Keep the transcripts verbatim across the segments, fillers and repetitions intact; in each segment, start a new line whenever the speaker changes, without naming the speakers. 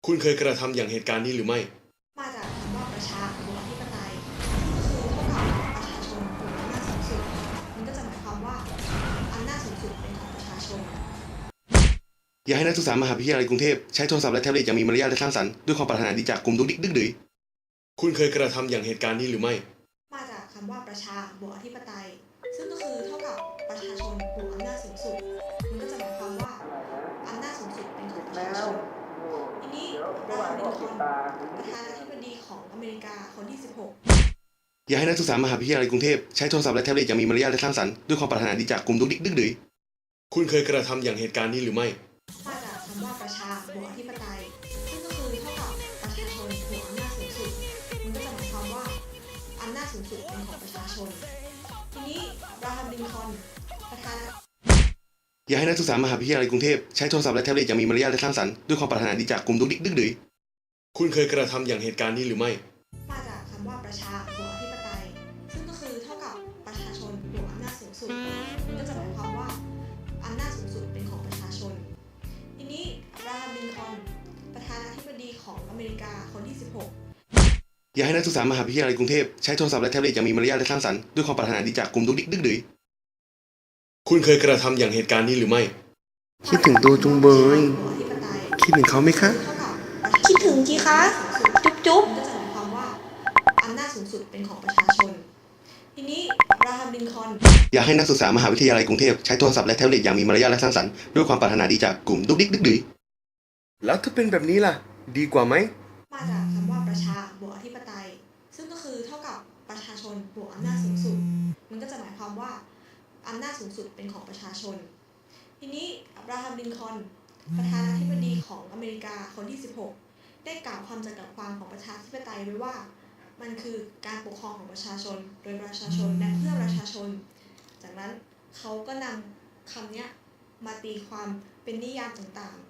คุณเคยกระทำอย่างเหตุการณ์นี้หรือไม่
มาจากคำว่าประชาบวกอธิปไตยซึ่งก็คือเท่ากับประชาชนบวกอำนาจสูงสุดมันก็จะหมายความว่าอำนาจสูงสุดเป็นของประชาชน
อย่าให้นักศึกษามหาวิทยาลัยกรุงเทพใช้โทรศัพท์และแท็บเล็ตอย่างมีมารยาทและสร้างสรรค์ด้วยความปรารถนาดีจากกลุ่มดุกดิกดึกดื้อคุณเคยกระทำอย่างเหตุการณ์นี้หรือไม่
มาจากคำว่าประชาบวกอธิปไตยซึ่งก็คือเท่ากับประชาชนบวกอำนาจสูงสุดมันก็จะหมายความว่าอำนาจสูงสุดเป็นของประชาชนทีนี้บราฮัมลินคอล์นประธานาธิบดีของอเมริกาคนที่สิบหก
อย่าให้นักศึกษามหาวิทยาลัยกรุงเทพใช้โทรศัพท์และแท็บเล็ตอย่างมีมารยาทและสร้างสรรค์ด้วยความปรารถนาดีจากกลุ่มดุกดิกดึกดื้อคุณเคยกระทำอย่างเหตุการณ์นี้หรือไม่
มาจากคำว่าประชาบวกอธิปไตยซึ่งก็คือเท่ากับประชาชนบวกอำนาจสูงสุดมันก็จะหมายความว่าอำนาจสูงสุดเป็นของประชาชนทีนี้บราฮัมลินคอล์นประธานา
อย่าให้นักศึกษามหาวิทยาลัยกรุงเทพใช้โทรศัพท์และแท็บเล็ตอย่างมีมารยาทและสร้างสรรค์ด้วยความปรารถนาดีจากกลุ่มดุกดิกดึกดื้อคุณเคยกระทำอย่างเหตุการณ์นี้หรือไม่
มาจากคำว่าประชาบวกอธิปไตยซึ่งก็คือเท่ากับประชาชนบวกอำนาจสูงสุดมันก็จะหมายความว่าอำนาจสูงสุดเป็นของประชาชนทีนี้บราฮัมลินคอล์นประธานาธิบดีของอเมริกาคนที่สิบหก
อย่าให้นักศึกษามหาวิทยาลัยกรุงเทพใช้โทรศัพท์และแท็บเล็ตอย่างมีมารยาทและสร้างสรรค์ด้วยความปรารถนาดีจากกลุ่มดุกดิกดึกดื้อคุณเคยกระทำอย่างเหตุการณ์นี้หรือไม่คิดถึงตัวจุงเบยคิดถึงเขาไหมคะ
คิดถึงจีคะจุ๊บจุ๊บก็จะหมายความว่าอำนาจสูงสุดเป็นของประชาชนทีนี้บราฮัมลินคอล์น
อยากให้นักศึกษามหาวิทยาลัยกรุงเทพใช้โทรศัพท์และแท็บเล็ตอย่างมีมารยาทและสร้างสรรค์ด้วยความปรารถนาดีจากกลุ่มดุกดิกดึกดื้อแล้วถ้าเป็นแบบนี้ล่ะดีกว่าไหม
มาจากคำว่าประชาบวกอธิปไตยซึ่งก็คือเท่ากับประชาชนบวกอำนาจสูงสุดมันก็จะหมายความว่าอำนาจสูงสุดเป็นของประชาชนทีนี้อับราฮัมลินคอล์นประธานาธิบดีของอเมริกาคนที่สิบหกได้กล่าวคำจำกัดความของประชาธิปไตยไว้ว่ามันคือการปกครองของประชาชนโดยประชาชนและเพื่อประชาชนจากนั้นเขาก็นำคำนี้มาตีความเป็นนิยามต่าง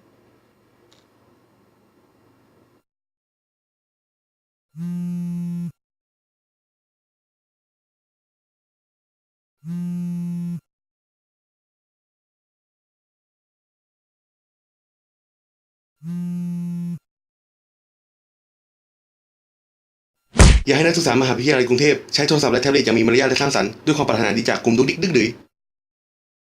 อยากให้นักศึกษามหาวิทยาลัยกรุงเทพใช้โทรศัพท์และแท็บเล็ตอย่างมีมารยาทและสร้างสรรค์ด้วยความปรารถนาดีจากกลุ่มดุกดิกดึกดื้อ